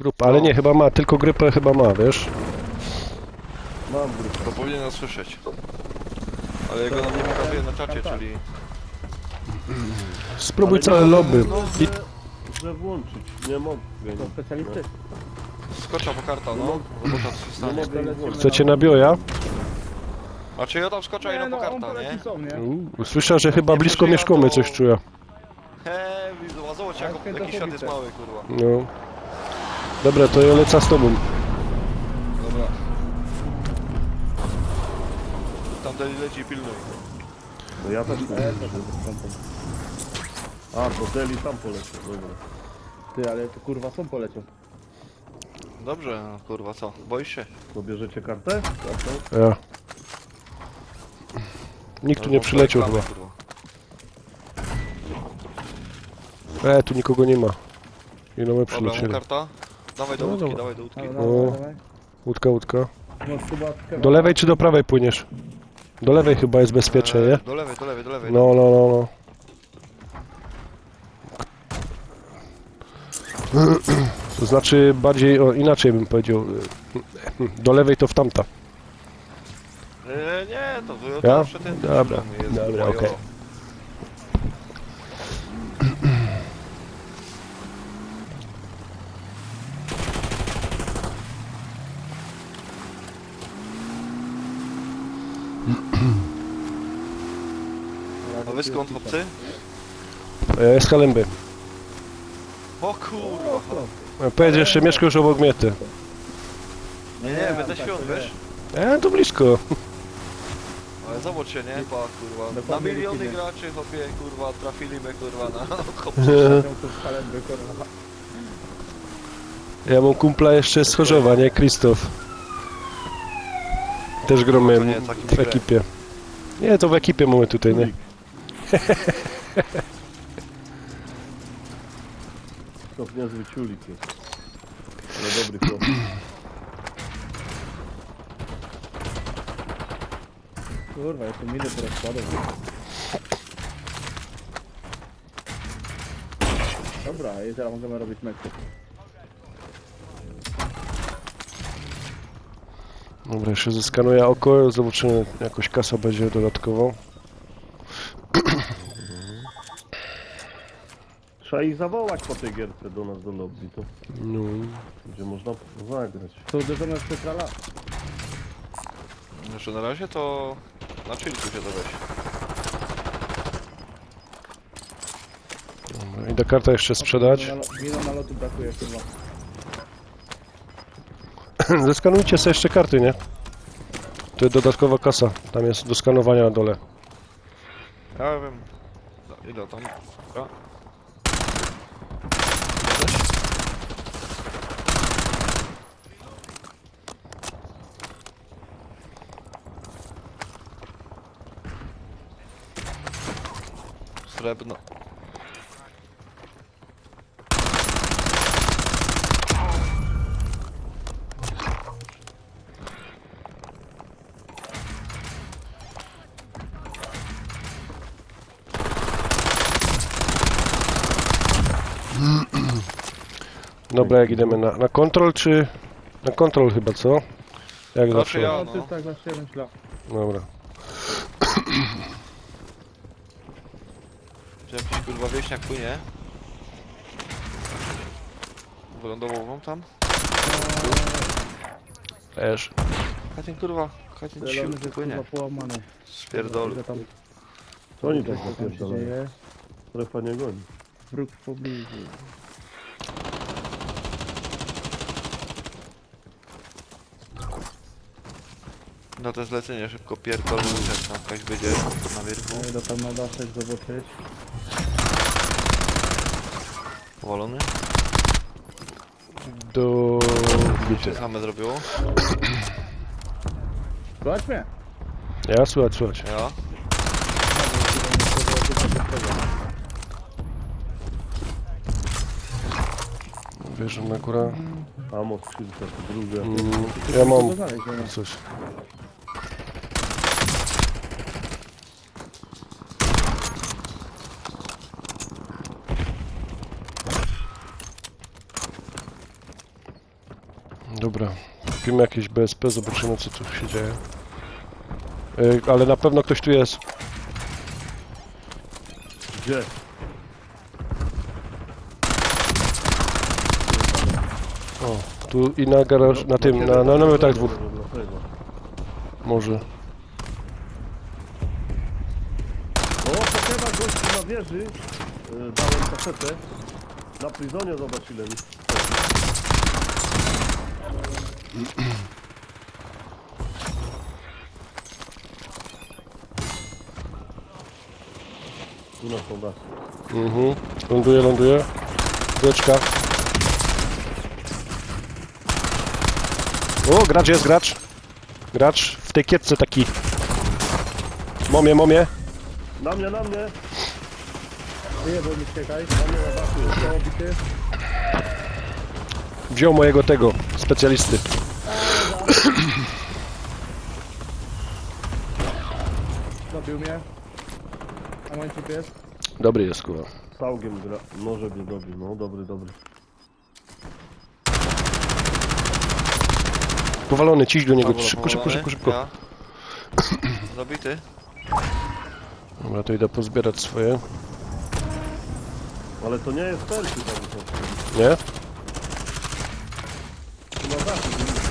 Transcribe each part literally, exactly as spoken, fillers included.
grupa, ale nie, chyba ma, tylko grypę chyba ma, wiesz? Mam grupę. To powinien nas słyszeć. Ale jego nam nie pokazuje na czacie, czyli... Spróbuj Ale całe nie lobby. mogę, I... że, że włączyć. Nie mogę. To specjalisty. Skocza po karta, no. Robota co się Nie stanie. mogę ich włączyć. Chcecie na bioja? A czy ja tam skocza i Nie no po no, on karta, nie? poleci są, nie? U, Słyszę, że chyba Nie blisko przeżyja, mieszkamy, to- coś czuję. He, widzę, zobacz jak, Ale jaki świat jest świętochowice. mały, kurwa. No. Dobra, to ja lecę z tobą. Dobra. Tam dalej leci pilnuj. No ja też nie E, wiem. to jest pompą. A, to Deli tam poleciał. Dobra. Ty, ale to kurwa są poleciał. Dobrze, no, kurwa co? Boisz się? To bierzecie kartę? Kartę? Ja. Nikt tu nie przyleciał chyba. Kurwa. E, tu nikogo nie ma. I no my Dobra, mu przylecieli. karta. Dawaj do No łódki, dobra. dawaj do łódki. No, O. no, dawaj. Łódka, łódka. No, chyba... Do lewej czy do prawej płyniesz? Do lewej chyba jest bezpiecznie, nie? Eee, do lewej, do lewej, do lewej. No, no, no, no. To znaczy bardziej, o, inaczej bym powiedział. Do lewej to w tamta. Eee, nie, to wy Ja? zawsze ten Dobra, jest dobra, majo. okej. A wy skąd, chłopcy? Ja jest Halemby. O kurwa. Powiedz jeszcze, mieszkasz obok mnie, ty. Nie, nie, będę świąt, wiesz? E, to blisko. Ale zobacz się, nie? Pa, kurwa. Na Dokładnie miliony widzimy. graczy, chłopie, kurwa, trafili mnie, kurwa, na hop. Ja mam kumpla jeszcze z Chorzowa, nie? Krzysztof. Też gromy No to nie, taki w grę. ekipie. Nie, to w ekipie mamy tutaj, nie? To niezły ciulik jest. Ale dobry chłop. Kurwa, jeszcze miny teraz składą. Dobra, i teraz możemy robić mecz. Dobra, jeszcze zeskanuję oko, zobaczymy, jakoś kasa będzie dodatkowo. Trzeba ich zawołać po tej gierce do nas do lobby. To No. będzie można zagrać. To uderzone w centrala. Znaczy na razie to... Na chillku się to weź. Dobra, idę kartę jeszcze sprzedać. Mino na lotu brakuje chyba. Zeskanujcie sobie jeszcze karty, nie? To jest dodatkowa kasa, tam jest do skanowania na dole. Ja wiem... Za- Ile tam? Dobra. Srebrno. Dobra, jak idziemy na, na kontrol, czy... Na kontrol chyba, co? Jak Raczej zawsze. ja. No, no. to jest tak właśnie myślę. Dobra. Czy jakiś kurwa wieśniak płynie? Wylądował wam tam? Też. Katin kurwa, Katin Zielony sił jest płynie. kurwa połamany. Spierdol. Ile tam, To oni co tak tam się napierdalają. dzieje? Strefa nie goni. Wróg w pobliżu. No to zlecenie szybko pierdolę, że tam jakaś będzie na wierchu. Ja idę tam na daszek zobaczyć. Powalony? Do... Co się same zrobiło? Słuchaj mnie! Ja, słuchaj, słuchaj. Ja? Wierzę na górę. Amo skrzydła, to drugie. Mm, ja mam To znaleźć, no. coś. Dobra, kupimy jakieś B S P, zobaczymy co tu się dzieje. Yy, ale na pewno ktoś tu jest. Gdzie? O, tu i na garaż, na tym, na, na namiotach dwóch. Może. O, potrzeba gościu na wieży. Yy, dałem kasetę. Na prizonie zobacz ile mi. Tu na sondaż. Mhm. Ląduje, ląduje. Beczka. O, gracz jest, gracz. Gracz w tej kietce taki. Momie, momie. Na mnie, na mnie! Wyjebał mi czekaj. Na mnie na dachu. Został obity. Wziął mojego tego, specjalisty. Zabił mnie. A łańcuch jest. Dobry jest, kurwa. Całkiem gra. Może mnie dobił. No dobry, dobry. Powalony, ciś do niego. Pawło Szybko, szybko, powalony. szybko, szybko. Ja. Zabity. Dobra, to idę pozbierać swoje. Ale to nie jest perki tam są. Nie? Tu na dachu.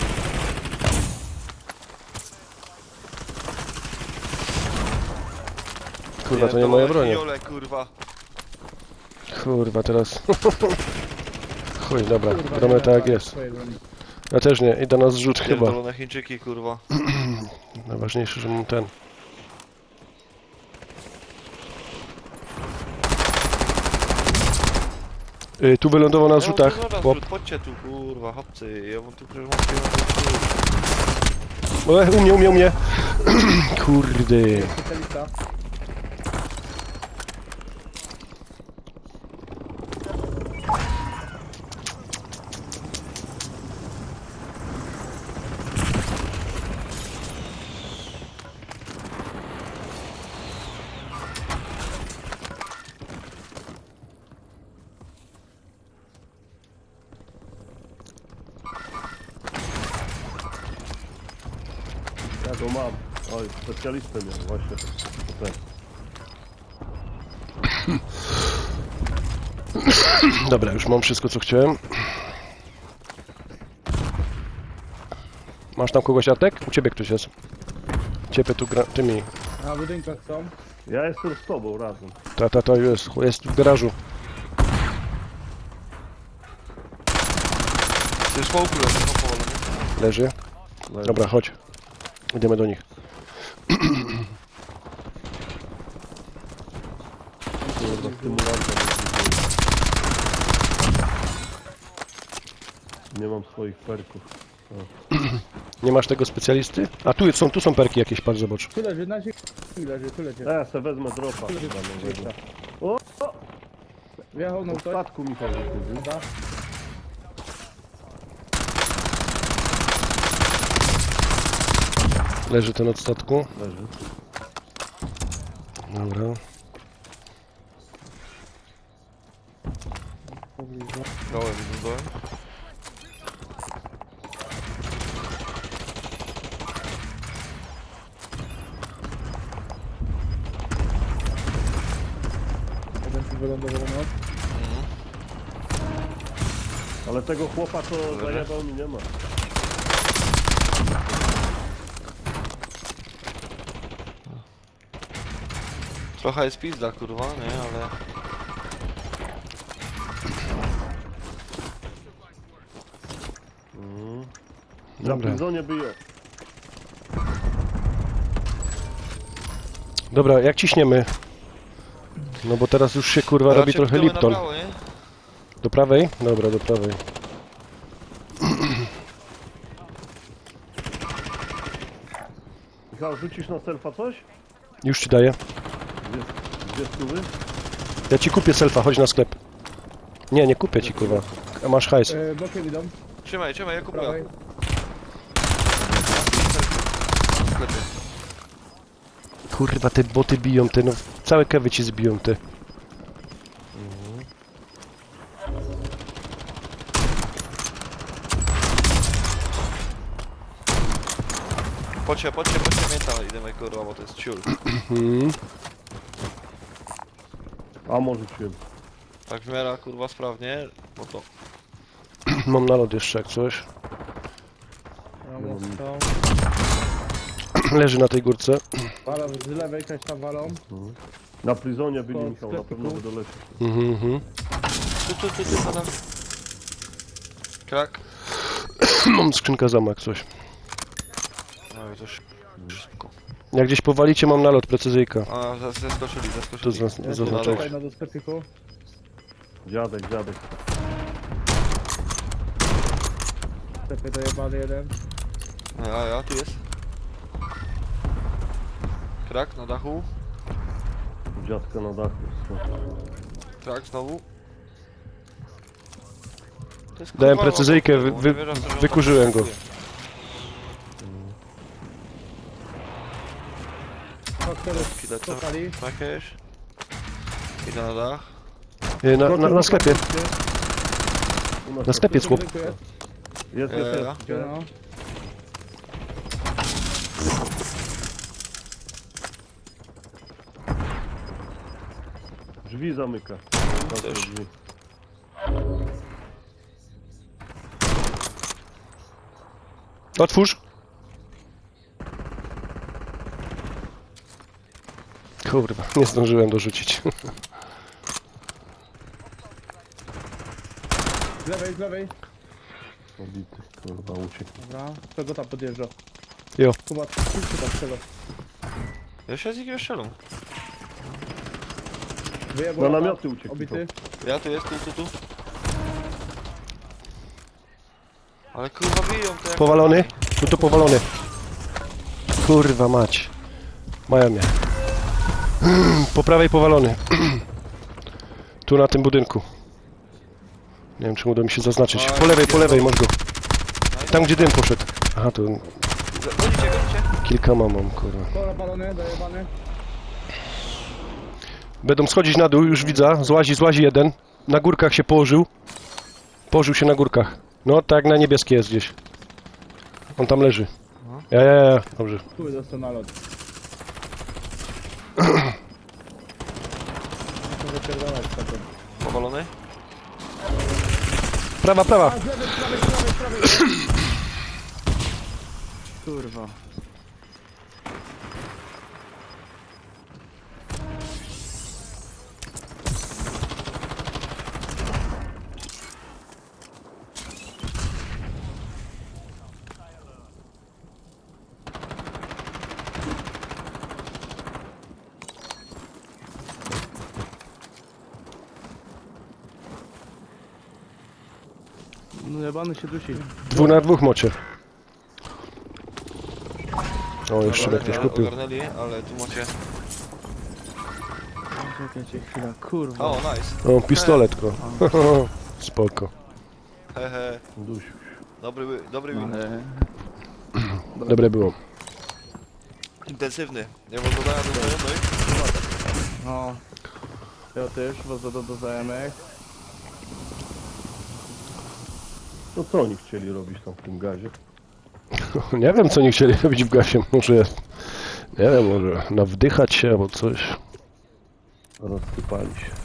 Kurwa, to nie moja broń. Jole, kurwa. Kurwa, teraz. Chuj, dobra, Kurwa, gramy nie tak jak ma jest. swojej broni. Ja też nie, idę na zrzut chyba. Pierdolone Chińczyki, kurwa. Najważniejsze, że mam ten. Y, tu wylądował na zrzutach. Ja mam Chłop. zrzut, chodźcie tu, kurwa, chłopcy. Ja mam tu przecież mam pieniądze. O, u mnie, u mnie, u mnie. Kurde. Specjalista. Ja go mam. Oj, specjalistę miał właśnie. To ten. Dobra, już mam wszystko co chciałem. Masz tam kogoś, Artek? U ciebie ktoś jest. Ciebie tu gra... tymi. Na budynkach są. Ja jestem z tobą razem. Ta, ta, ta jest. Jest w garażu. Ty smoku leży, no powolony. Leży. Leży. Dobra, chodź. Idziemy do nich. Kurwa, stymulanta. Nie mam swoich perków. Nie masz tego specjalisty? A tu są, tu są perki jakieś, patrz, zobacz. Tu leży, na ziemi leży, tu leży. A ja se wezmę dropa. Tu leży. chyba nowego. Gdzieś O! Wjechał na W ktoś. statku Michał wychodzi. Dobra. Leży ten od statku. Leży. Dobra. Dołem, widzę dołem. Jeden tu wylądował noc. Ale tego chłopa to zajebał mi nie ma. Trochę jest pizda, kurwa, nie, ale... Mhm. Na Dobra. prizonie by je. Dobra, jak ciśniemy? No bo teraz już się kurwa robi Raczej trochę idziemy na Lipton. prawo, nie? Do prawej? Dobra, do prawej. Michał, rzucisz na selfa coś? Już ci daję. Gdzie, gdzie stówy? Ja ci kupię selfa, chodź na sklep. Nie, nie kupię ci kurwa. A masz hajs. E, bokiem idą. Trzymaj, trzymaj, ja kupuję. Prawej. W sklepie. Kurwa, te boty biją, te no. Całe kewy ci zbiją, te. Pocie, pocie, pocie, mięta, idziemy kurwa, bo to jest ciul. Mhm. A może rzuciłem. Tak w miarę kurwa sprawnie, bo to... Mam nalot jeszcze jak coś. Ramo są. Leży na tej górce. Walą z lewej też tam walą. Na prizonie byli, Koło Michał, na sklepiku. pewno by dolecieć. Mhm, mhm. Tu, tu, tu, tu, padam. Krak. Mam skrzynkę zamak coś. No i to sz- szybko. Jak gdzieś powalicie, mam nalot, precyzyjka. A, zas- zaskoczyli, To zaskoczyli. zas- Ja zaznaczę. tutaj na do sklepiku. Dziadek, dziadek. Sklepie dojebany jeden. A ja, tu jest. Krak na dachu. Dziadka na dachu. Krak znowu. To jest, Dałem kurwa, precyzyjkę, łapka, wy- bo wy- nie wierzę, że on tak wykurzyłem go. atakuje. Faktory Chwilę, co? skakali. Jakieś. Idę na dach. Y, Na, na, na sklepie. U nas Na sklepie jest chłop. Dziękuję. Jest, jest, Eee, jest. Gdzie no? Drzwi zamyka. Zamknął Też. drzwi. Otwórz. Kurwa, nie zdążyłem dorzucić. Z lewej, z lewej. Obity, kurwa, uciekł. Dobra. Czego tam podjeżdża? Jo. Kuba, ty tam strzela. Ja się z jakiegoś strzelą. Wyjebał Na lata. namioty uciekł. Obity. Ja tu jest, tu, tu, tu. Ale kurwa biją to jak... Powalony? Tu to powalony. Kurwa mać. Mają mnie. Po prawej powalony. Tu na tym budynku. Nie wiem, czy uda mi się zaznaczyć. Po lewej, po lewej, masz go. Tam, gdzie dym poszedł. Aha, to Gonicie, gonicie. kilka mam, mam, kurwa. Kola balony, dojebany. Będą schodzić na dół, już widzę. Złazi, złazi jeden. Na górkach się położył. Położył się na górkach. No, tak na niebieskie jest gdzieś. On tam leży. Ja, ja, ja, dobrze. Tu dostał nalot. Muszę wypierdalać taką. Powalony? Prawa, prawa. Z lewej, z prawej, z prawej, z prawej. Kurwa. No jebany się dusi. Dwóch na dwóch mocie. O, jeszcze Dobra, mnie ktoś nie, kupił. Ogarnęli, ale tu macie... Czekajcie chwilę, kurwa. O, nice. O, pistoletko. Spoko. Hehe. Dusiu. Dobry, wy- dobry win. Ale... Dobre było. Intensywny. Nie mam dodania do znajomych. No. Ja też, was do, do znajomych. No co oni chcieli robić tam w tym gazie? Nie wiem, co nie chcieli robić w gasie. Może, nie wiem, może nawdychać się albo coś. Rozsypali się.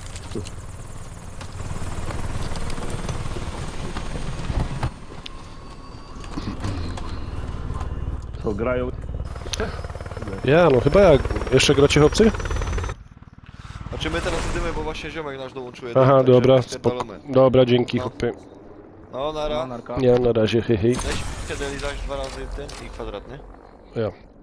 Co, grają? Ja, no chyba jak. Jeszcze gracie chłopcy? Znaczy my teraz idziemy, bo właśnie ziomek nasz dołączył. Aha, także dobra, spoko. spierdolony. Dobra, dzięki No. chłopie. No, nara. narka. Nie, na razie, hej, hej. Weź siedeli zaś dwa razy ten i kwadratny. Ja.